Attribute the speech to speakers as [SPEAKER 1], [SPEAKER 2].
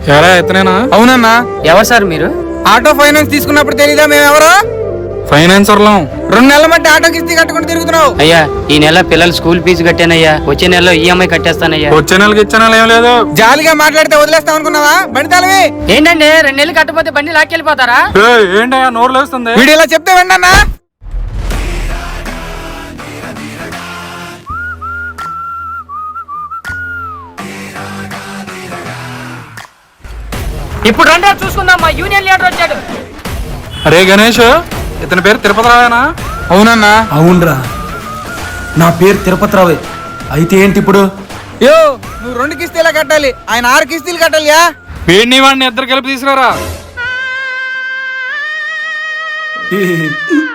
[SPEAKER 1] ఎలా ఎత్తనేనా?
[SPEAKER 2] అవునన్నా.
[SPEAKER 3] ఎవరు సార్ మీరు?
[SPEAKER 2] ఆటో ఫైనాన్స్ తీసుకున్నప్పుడు తెలీదా మేమెవరో?
[SPEAKER 1] ఫైనాన్సర్లం.
[SPEAKER 2] 2 నెలల మట్టి ఆటో కిస్తీ కట్టుకుని తిరుగుతున్నావు.
[SPEAKER 3] అయ్యా ఈ నెల పిల్లల స్కూల్ ఫీజు కట్టానయ్యా, వచ్చే నెలలో ఈఎంఐ కట్టేస్తానయ్యా.
[SPEAKER 1] వచ్చే నెలకి ఇచ్చే నెల ఏం లేదు.
[SPEAKER 2] జాలిగా మాట్లాడితే వదిలేస్తావు అనుకున్నావా? బండి తాళవి.
[SPEAKER 3] ఏంటండి 2 నెలలు కట్టపోతే బండి లాక్కెళ్ళిపోతారా?
[SPEAKER 1] ఏంటయ్యా నోరు లేస్తుంది?
[SPEAKER 2] వీడు ఇలా చెప్తే వెండన్నా.
[SPEAKER 3] ఇప్పుడు రండి చూసుకుందాం, మా యూనియన్ లీడర్ వచ్చాడు.
[SPEAKER 1] అరే గణేష్, ఇతని పేరు తిరుపతి రావేనా?
[SPEAKER 2] అవునన్నా.
[SPEAKER 4] అవునరా, నా పేరు తిరుపతిరావే. అయితే ఏంటి ఇప్పుడు?
[SPEAKER 2] యో నువ్వు 2 కిస్తీలా కట్టాలి, ఆయన 6 కిస్తీలు కట్టాలియా.
[SPEAKER 1] వీడిని వాడిని ఇద్దరు కలిపి తీసుకురారా.